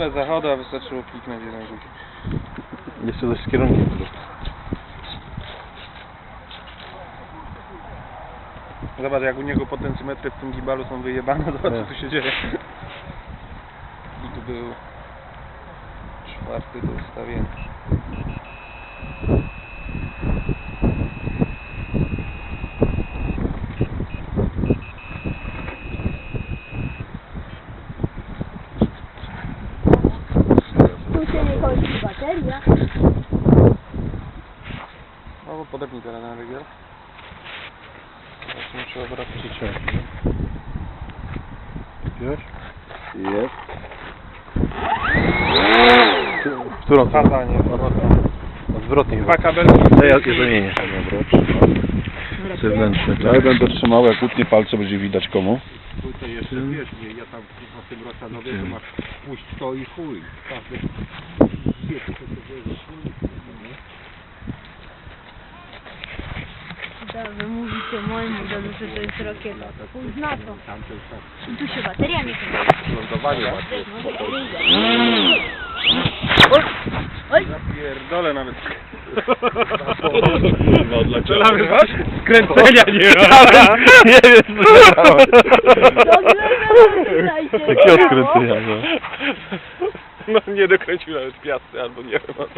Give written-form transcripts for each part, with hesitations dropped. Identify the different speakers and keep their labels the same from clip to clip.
Speaker 1: Tyle zachodu, a wystarczyło kliknąć jeden guzik.
Speaker 2: Jeszcze coś z kierunkiem.
Speaker 1: Zobacz, jak u niego potencjometry w tym gibalu są wyjebane, zobacz co tu się dzieje. I tu był 4. do ustawienia.
Speaker 3: Tu się nie kończy bateria.
Speaker 1: No bo podepnij teraz na rygiel. Teraz nie trzeba brać przyciąć.
Speaker 2: Widziałeś?
Speaker 4: Jest.
Speaker 2: W którą stronę?
Speaker 1: Kazanie,
Speaker 2: Odwrotnie chyba.
Speaker 1: dwa kabelki.
Speaker 2: To ja je zamienię. Zewnętrzny,
Speaker 4: Ja
Speaker 2: tak?
Speaker 4: będę trzymał, jak utnie palce, będzie widać komu.
Speaker 5: Tutaj jeszcze wiesz, nie, ja tam w tym Rosanowie to masz puść to i chuj. Każdy wie, co to jest.
Speaker 3: Wy mówicie mojemu domu, że to jest rakieta. Pójdź na to.
Speaker 5: Tam to jest tak.
Speaker 3: I tu się bateria nie kończy.
Speaker 5: Lądowanie ładnie.
Speaker 3: Oj!
Speaker 1: Pierdolę nawet.
Speaker 4: Kurwa, dlaczego?
Speaker 1: Skręcenia nie
Speaker 2: Nie wiem, co się stało. Takiego
Speaker 3: Takie
Speaker 2: skręcenia, no.
Speaker 1: No nie dokręcił nawet piasty albo nie wiem o to.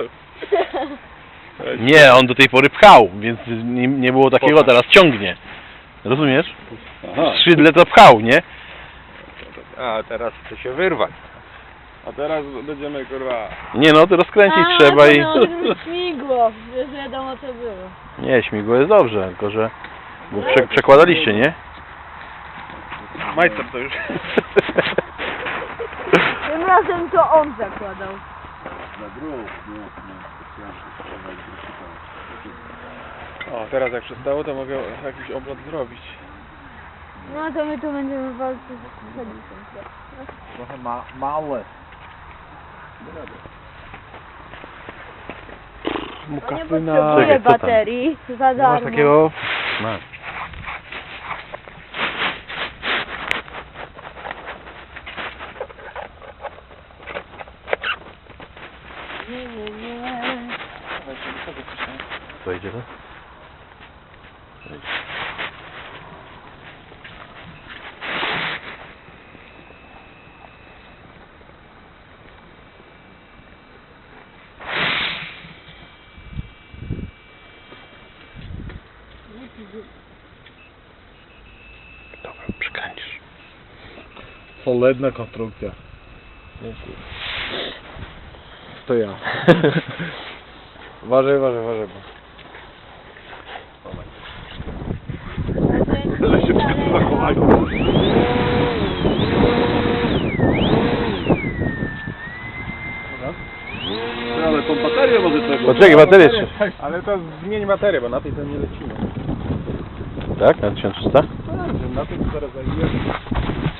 Speaker 2: Nie, on do tej pory pchał, więc nie było takiego, teraz ciągnie. Rozumiesz?
Speaker 4: Aha.
Speaker 2: Skrzydle to pchał, nie?
Speaker 5: A teraz chce się wyrwać.
Speaker 1: A teraz będziemy kurwa.
Speaker 2: Nie no, to rozkręcić trzeba i...
Speaker 3: śmigło, wiesz wiadomo co było.
Speaker 2: Nie, śmigło jest dobrze, tylko że... Bo przekładaliście, nie?
Speaker 1: Majster to już.
Speaker 3: Tym razem to on zakładał.
Speaker 4: Na drugą, nie, specjalnie.
Speaker 1: O, teraz jak przestało, to mogę jakiś oblot zrobić.
Speaker 3: No to my tu będziemy walczyć z Hadisem.
Speaker 4: Trochę małe.
Speaker 3: On nie potrzebuje
Speaker 2: Czekaj, co tam?
Speaker 3: baterii, za
Speaker 2: Masz
Speaker 3: darmo.
Speaker 2: takiego... Masz.
Speaker 3: Nie.
Speaker 2: Co idzie to? Dobra, przekręcisz.
Speaker 4: Solidna konstrukcja. To ja. Uważaj. Ale tą baterię może tego.
Speaker 2: Poczekaj, baterię jeszcze.
Speaker 1: Ale to zmień baterię, bo na tej to nie lecimy.
Speaker 2: Tak? Na 1300?
Speaker 1: Na tej to zaraz zajmiemy.